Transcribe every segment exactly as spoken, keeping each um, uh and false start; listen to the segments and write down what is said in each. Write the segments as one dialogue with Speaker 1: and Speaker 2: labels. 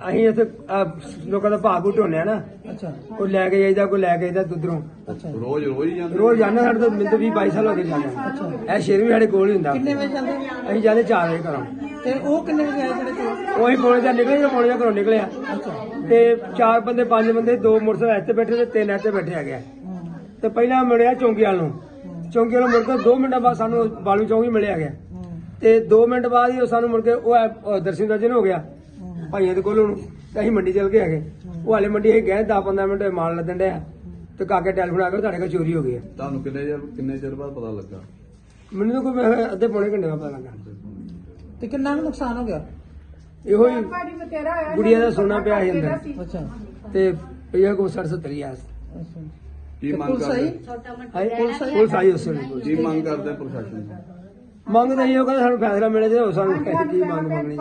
Speaker 1: ਅਸੀਂ ਇੱਥੇ ਲੋਕਾਂ ਦਾ ਭਾਅ ਭੂ ਢੋਨੇ ਆ ਨਾ।
Speaker 2: ਅੱਛਾ
Speaker 1: ਕੋਈ ਲੈ ਕੇ ਜਾਈਦਾ ਕੋਈ ਲੈ ਕੇ ਜਾਈਦਾ ਦੁੱਧਰੋਂ।
Speaker 2: ਅੱਛਾ
Speaker 3: ਰੋਜ਼ ਰੋਜ਼ ਹੀ ਜਾਂਦੇ
Speaker 1: ਰੋਜ਼ ਜਾਂਦੇ ਸਾਡੇ ਤੋਂ ਮੈਨੂੰ ਵੀਹ ਬਾਈ ਸਾਲ ਹੋ ਗਏ ਜਾਂਦੇ। ਇਹ ਸ਼ੇਰ ਵੀ ਸਾਡੇ ਕੋਲ ਹੀ ਹੁੰਦਾ।
Speaker 2: ਕਿੰਨੇ ਵਜੇ ਜਾਂਦੇ
Speaker 1: ਅਸੀਂ ਜਾਂਦੇ ਚਾਰ ਵਜੇ ਘਰੋਂ।
Speaker 2: ਤੇ ਉਹ ਕਿੰਨੇ ਵਜੇ ਆਏ ਜਿਹੜੇ ਕੋਲ?
Speaker 1: ਉਹੀ ਪੌਣੇ ਚਾਰ ਨਿਕਲੇ ਜਾਂ ਪੌਣੇ ਚਾਰ ਘਰੋਂ ਨਿਕਲਿਆ।
Speaker 2: ਅੱਛਾ
Speaker 1: ਤੇ ਚਾਰ ਬੰਦੇ ਪੰਜ ਬੰਦੇ ਦੋ ਮੋਟਰਸਾਈਕਲ ਇੱਥੇ ਬੈਠੇ ਤੇ ਤਿੰਨ ਇੱਥੇ ਬੈਠੇ ਹੈਗੇ। ਤੇ ਪਹਿਲਾਂ ਮਿਲਿਆ ਚੌਂਕੀ ਵਾਲ ਨੂੰ। ਚੌਂਕੀ ਵਾਲੋਂ ਮੁੜ ਕੇ ਦੋ ਮਿੰਟਾਂ ਬਾਅਦ ਸਾਨੂੰ ਬਾਲੂ ਚੌਂਕੀ ਮਿਲਿਆ ਗਿਆ। ਤੇ ਦੋ ਮਿੰਟ ਬਾਅਦ ਹੀ ਉਹ ਸਾਨੂੰ ਮੁੜ ਕੇ ਉਹ ਦਰਸ਼ਨ ਦਰਜਨ ਹੋ ਗਿਆ ਭਾਈਆਂ ਦੇ ਕੋਲੋਂ। ਤੇ ਅਸੀਂ ਮੰਡੀ ਚਲ ਗਏ ਹੈਗੇ। ਉਹ ਹਾਲੇ ਮੰਡੀ ਅਸੀਂ ਗਏ ਦਸ ਪੰਦਰਾਂ ਮਿੰਟ ਮਾਲ ਲੱਦਣ ਡਿਆ ਤੇ ਕਾਕੇ ਟੈਲੀਫੋਨ ਆ ਕੇ ਤੁਹਾਡੇ ਕੋਲ ਚੋਰੀ ਹੋ ਗਈ ਹੈ।
Speaker 3: ਤੁਹਾਨੂੰ ਕਿੰਨੇ ਚਿਰ ਕਿੰਨੇ ਚਿਰ ਬਾਅਦ ਪਤਾ ਲੱਗਾ?
Speaker 1: ਮੈਨੂੰ ਤਾਂ ਕੋਈ ਅੱਧੇ ਪੌਣੇ ਘੰਟੇ ਬਾਅਦ ਪਤਾ ਲੱਗਾ।
Speaker 2: ਤੇ ਕਿੰਨਾ ਕੁ ਨੁਕਸਾਨ ਹੋ ਗਿਆ?
Speaker 1: ਇਹੋ ਹੀ ਗੁੜੀਆ ਦਾ ਸੋਨਾ ਪਿਆ ਸੀ ਅੰਦਰ
Speaker 2: ਅੱਛਾ
Speaker 1: ਤੇ ਇਹ ਕੋ ਸੱਠ ਸੱਤਰ ਹਜ਼ਾਰ।
Speaker 2: ਅੱਛਾ
Speaker 3: ਕੀ
Speaker 2: ਤੇ
Speaker 3: ਮੰਗ
Speaker 2: ਪੁਲਿਸ
Speaker 3: ਕਰਦੇ?
Speaker 2: ਆਈ?
Speaker 1: ਪੁਲਿਸ ਆਈ ਪੁਲਿਸ ਆਈ ਉਸ ਵੇਲੇ।
Speaker 3: ਕੀ ਮੰਗ ਕਰਦੇ ਪ੍ਰਸ਼ਾਸਨ ਤੋਂ?
Speaker 1: ਮੰਗ ਤਾਂ ਇਹੋ ਕਹਿੰਦੇ ਸਾਨੂੰ ਫੈਸਲਾ ਮਿਲੇ ਜੇ ਸਾਨੂੰ ਕੀ ਮੰਗ ਮੰਗਣੀ।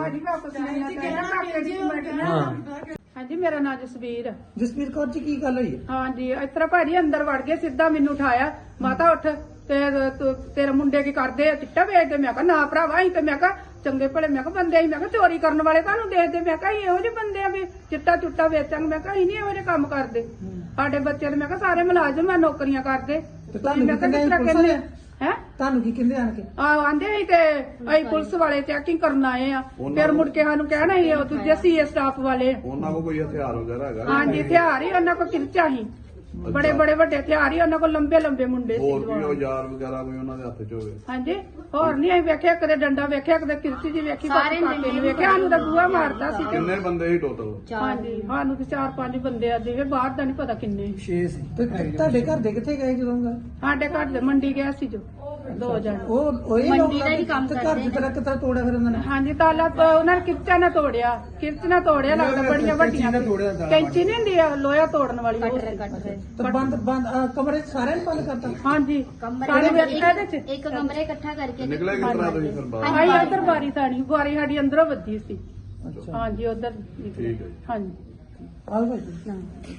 Speaker 1: ਹਾਂ
Speaker 4: ਹਾਂਜੀ ਮੇਰਾ ਨਾਮ ਜਸਵੀਰ ਹੈ।
Speaker 2: ਜਸਵੀਰ ਕੌਰ ਜੀ ਕੀ ਗੱਲ ਹੋਈ ਹੈ?
Speaker 4: ਹਾਂਜੀ ਇਸ ਤਰ੍ਹਾਂ ਭਾਜੀ ਅੰਦਰ ਵੜ ਕੇ ਸਿੱਧਾ ਮੈਨੂੰ ਉਠਾਇਆ, ਮਾਤਾ ਉੱਠ ਤੇ ਤੂੰ- ਤੇਰੇ ਮੁੰਡੇ ਕੀ ਕਰਦੇ ਆ, ਚਿੱਟਾ ਵੇਚਦੇ? ਮੈਂ ਕਿਹਾ ਨਾ ਭਰਾਵਾ ਅਸੀਂ ਤੇ ਮੈਂ ਕਿਹਾ ਚੰਗੇ ਭਲੇ ਮੈਂ ਕਿਹਾ ਬੰਦੇ ਅਸੀਂ ਮੈਂ ਕਿਹਾ ਚੋਰੀ ਕਰਨ ਵਾਲੇ ਤੁਹਾਨੂੰ ਦੇਖਦੇ ਮੈਂ ਕਿਹਾ ਅਸੀਂ ਇਹੋ ਜਿਹੇ ਬੰਦੇ ਆ ਵੀ ਚਿੱਟਾ ਚੁੱਟਾ ਵੇਚਾਂਗੇ। ਮੈਂ ਕਿਹਾ ਅਸੀਂ ਨਹੀਂ ਇਹੋ ਜਿਹੇ ਕੰਮ ਕਰਦੇ। ਸਾਡੇ ਬੱਚੇ ਤੇ ਮੈਂ ਕਿਹਾ ਸਾਰੇ ਮੁਲਾਜ਼ਮ ਆ ਨੌਕਰੀਆਂ ਕਰਦੇ।
Speaker 2: ਤੇ ਤੁਹਾਨੂੰ
Speaker 4: ਮੈਂ ਕਿਹਾ
Speaker 2: ਕਿੰਨੇ
Speaker 4: ਕਿਸ ਤਰ੍ਹਾਂ
Speaker 2: ਪੁਲਿਸ
Speaker 4: ਕਹਿੰਦੇ
Speaker 2: ਵਾਲੇ?
Speaker 4: ਹੈ
Speaker 2: ਤੁਹਾਨੂੰ ਕੀ ਕਹਿੰਦੇ ਆਣ ਕੇ?
Speaker 4: ਆ ਆਂਦੇ ਸੀ ਤੇ ਅਸੀਂ ਪੁਲਿਸ ਵਾਲੇ ਚੈਕਿੰਗ ਕਰਨ ਆਏ ਆ। ਫਿਰ ਮੁੜ ਕੇ ਸਾਨੂੰ ਕਹਿਣਾ ਸੀ ਉਹ ਦੂਜੇ ਸੀਏ ਸਟਾਫ ਵਾਲੇ।
Speaker 3: ਉਹਨਾਂ ਕੋਲ ਕੋਈ ਹਥਿਆਰ ਵਗੈਰਾ ਹੈਗਾ?
Speaker 4: ਹਾਂਜੀ ਹਥਿਆਰ ਹੀ ਉਹਨਾਂ ਕੋਲ ਕਿਰਚਾ ਸੀ, ਬੜੇ ਬੜੇ ਵੱਡੇ ਹਥਿਆਰ ਹੀ ਉਹਨਾਂ ਕੋਲ, ਲੰਬੇ ਲੰਬੇ ਮੁੰਡੇ ਸੀ
Speaker 3: ਹੋਰ
Speaker 4: ਜਵਾਨ।
Speaker 3: ਵੀ ਔਜ਼ਾਰ ਵਗੈਰਾ ਕੋਈ ਉਹਨਾਂ ਦੇ ਹੱਥ 'ਚ ਹੋਵੇ?
Speaker 4: ਹਾਂਜੀ ਹੋਰ ਨਹੀਂ ਅਸੀਂ ਵੇਖਿਆ, ਕਦੇ ਡੰਡਾ ਵੇਖਿਆ, ਕਦੇ ਕਿਰਚੀ ਜੀ ਵੇਖੀ, ਬਾਕੀ ਕਾਕੇ ਨੂੰ ਵੇਖਿਆ। ਸਾਨੂੰ ਤਾਂ ਬੂਹਾ ਮਾਰਦਾ ਸੀ ਤੇ
Speaker 3: ਕਿੰਨੇ ਬੰਦੇ ਸੀ ਟੋਟਲ?
Speaker 4: ਹਾਂਜੀ ਸਾਨੂੰ ਤੇ ਚਾਰ ਪੰਜ ਬੰਦੇ ਆ ਜਿਵੇਂ ਬਾਹਰ ਦਾ ਨਹੀਂ ਪਤਾ ਕਿੰਨੇ।
Speaker 1: ਛੇ ਸੀ।
Speaker 2: ਤੇ ਤੁਹਾਡੇ ਘਰ ਦੇ ਕਿੱਥੇ ਗਏ ਜਦੋਂ ਗਏ?
Speaker 4: ਸਾਡੇ ਘਰ ਦੇ ਮੰਡੀ ਗਿਆ ਸੀ ਜੋ ਦੋ ਜਣ।
Speaker 2: ਉਹ ਉਹੀ ਮੰਡੀ ਦਾ ਹੀ ਕੰਮ ਕਰਦੇ। ਘਰ ਦੀ ਤਰ੍ਹਾਂ ਕਿਤਰਾ ਤੋੜਿਆ ਫਿਰ ਉਹਨਾਂ ਨੇ?
Speaker 4: ਹਾਂਜੀ ਤਾਲਾ ਤੋਂ ਉਹਨਾਂ ਨੇ ਕਿਰਚਾ ਨਾ ਤੋੜਿਆ, ਕਿਰਚ ਨਾ ਤੋੜਿਆ, ਲੱਗਦਾ ਬੜੀਆਂ ਵੱਡੀਆਂ ਕੈਂਚੀ ਨਹੀਂ ਹੁੰਦੀ ਆ ਲੋਹਾ ਤੋੜਨ ਵਾਲੀ ਉਹ ਸੀ।
Speaker 2: ਤੇ ਬੰਦ ਬੰਦ ਅਹ ਕਮਰੇ 'ਚ ਸਾਰਿਆਂ ਨੇ ਬੰਦ ਕਰਤਾ?
Speaker 4: ਹਾਂਜੀ ਸਾਰੇ ਵੇਖਿਆ ਇਹਦੇ ਚ
Speaker 5: ਇੱਕ ਕਮਰੇ ਇਕੱਠਾ ਕਰਕੇ
Speaker 3: ਨਿਕਲੇ ਕਿਸ ਤਰ੍ਹਾਂ ਤੁਸੀਂ ਫਿਰ ਬਾਹਰ?
Speaker 4: ਆਈ ਉਧਰ ਬਾਰੀ ਸਾਡੀ ਬਾਰੀ ਸਾਡੀ ਅੰਦਰੋਂ ਵੱਜੀ ਸੀ।
Speaker 2: ਅੱਛਾ
Speaker 4: ਹਾਂਜੀ ਉਧਰ
Speaker 3: ਠੀਕ ਹੈ ਜੀ।
Speaker 4: ਹਾਂਜੀ
Speaker 2: ਆਹ ਭਾਈ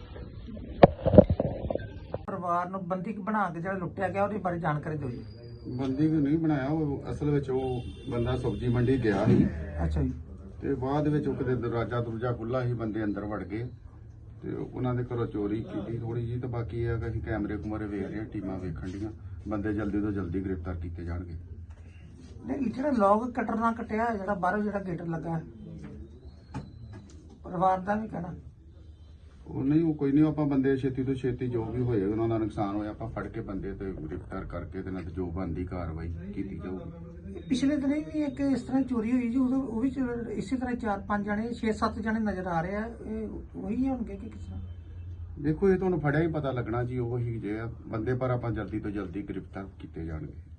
Speaker 2: ਪਰਿਵਾਰ ਨੂੰ ਬੰਦੀ ਬਣਾ ਕੇ ਜਿਹੜਾ ਲੁੱਟਿਆ ਗਿਆ ਉਹਦੇ ਬਾਰੇ ਜਾਣਕਾਰੀ ਦਿਓ ਜੀ।
Speaker 6: ਬੰਦੀ ਨੂੰ ਨਹੀਂ ਬਣਾਇਆ, ਉਹ ਅਸਲ ਵਿੱਚ ਉਹ ਬੰਦਾ ਸਬਜ਼ੀ ਮੰਡੀ ਗਿਆ ਸੀ
Speaker 2: ਅੱਛਾ ਜੀ
Speaker 6: ਤੇ ਬਾਅਦ ਵਿੱਚ ਉਹ ਕਿਤੇ ਦਰਵਾਜ਼ਾ ਦਰੂਜਾ ਖੁੱਲਾ ਸੀ, ਬੰਦੇ ਅੰਦਰ ਵੜ ਗਏ ਤੇ ਉਹਨਾਂ ਦੇ ਘਰੋਂ ਚੋਰੀ ਕੀਤੀ ਥੋੜੀ ਜੀ। ਤੇ ਬਾਕੀ ਇਹ ਹੈ ਕਿ ਅਸੀਂ ਕੈਮਰੇ ਕੁਮਰੇ ਵੇਖ ਰਹੇ ਹਾਂ, ਟੀਮਾਂ ਵੇਖਣ ਡੀਆਂ, ਬੰਦੇ ਜਲਦੀ ਤੋਂ ਜਲਦੀ ਗ੍ਰਿਫਤਾਰ ਕੀਤੇ ਜਾਣਗੇ।
Speaker 2: ਨਹੀਂ ਜਿਹੜਾ ਲੋਕ ਕਟਰ ਨਾਲ ਕਟਿਆ ਜਿਹੜਾ ਬਾਹਰੋਂ ਜਿਹੜਾ ਗੇਟ ਲੱਗਾ ਪਰਿਵਾਰ ਦਾ ਵੀ ਕਹਿਣਾ
Speaker 6: ਉਹ ਨਹੀਂ, ਉਹ ਕੋਈ ਨਹੀਂ, ਆਪਾਂ ਬੰਦੇ ਛੇਤੀ ਤੋਂ ਛੇਤੀ ਜੋ ਵੀ ਹੋਏ ਉਹਨਾਂ ਦਾ ਨੁਕਸਾਨ ਹੋਇਆ ਆਪਾਂ ਫੜ ਕੇ ਬੰਦੇ ਤੇ ਗ੍ਰਿਫਤਾਰ ਕਰਕੇ ਤੇ ਨਾਲ ਜੋ ਬਣਦੀ ਕਾਰਵਾਈ ਕੀਤੀ ਜਾਊਗੀ।
Speaker 2: ਪਿਛਲੇ ਦਿਨ ਵੀ ਇੱਕ ਇਸ ਤਰ੍ਹਾਂ ਚੋਰੀ ਹੋਈ ਜੀ, ਉਦੋਂ ਉਹ ਵੀ ਚ- ਇਸੇ ਤਰ੍ਹਾਂ ਚਾਰ ਪੰਜ ਜਣੇ ਛੇ ਸੱਤ ਜਣੇ ਨਜ਼ਰ ਆ ਰਹੇ ਆ। ਇਹ ਉਹੀ ਹੋਣਗੇ ਕਿ ਕਿਸ ਤਰ੍ਹਾਂ?
Speaker 6: ਦੇਖੋ ਇਹ ਤੁਹਾਨੂੰ ਫੜਿਆ ਹੀ ਪਤਾ ਲੱਗਣਾ ਜੀ, ਉਹ ਹੀ ਜੇ ਆ ਬੰਦੇ, ਪਰ ਆਪਾਂ ਜਲਦੀ ਤੋਂ ਜਲਦੀ ਗ੍ਰਿਫਤਾਰ ਕੀਤੇ ਜਾਣਗੇ।